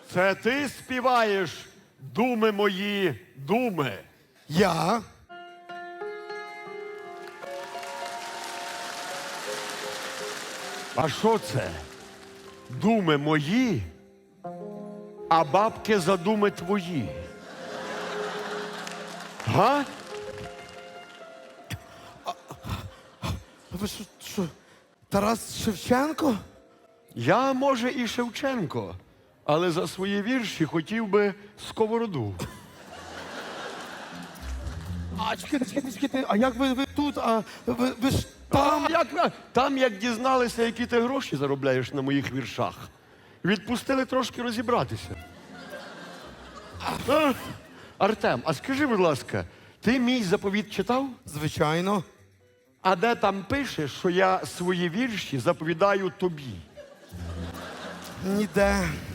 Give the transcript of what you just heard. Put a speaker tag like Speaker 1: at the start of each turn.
Speaker 1: Це ти співаєш «Думи мої, думи».
Speaker 2: Я?
Speaker 1: А що це? Думи мої, а бабки за думи твої. Га?
Speaker 2: Ви що, Тарас Шевченко?
Speaker 1: Я, може, і Шевченко, але за свої вірші хотів би сковороду.
Speaker 2: А чекайте, а як ви тут? А ви ж там?
Speaker 1: Там, як дізналися, які ти гроші заробляєш на моїх віршах, відпустили трошки розібратися. Артем, а скажи, будь ласка, ти мій заповіт читав?
Speaker 2: Звичайно.
Speaker 1: А де там пише, що я свої вірші заповідаю тобі?
Speaker 2: Ніде.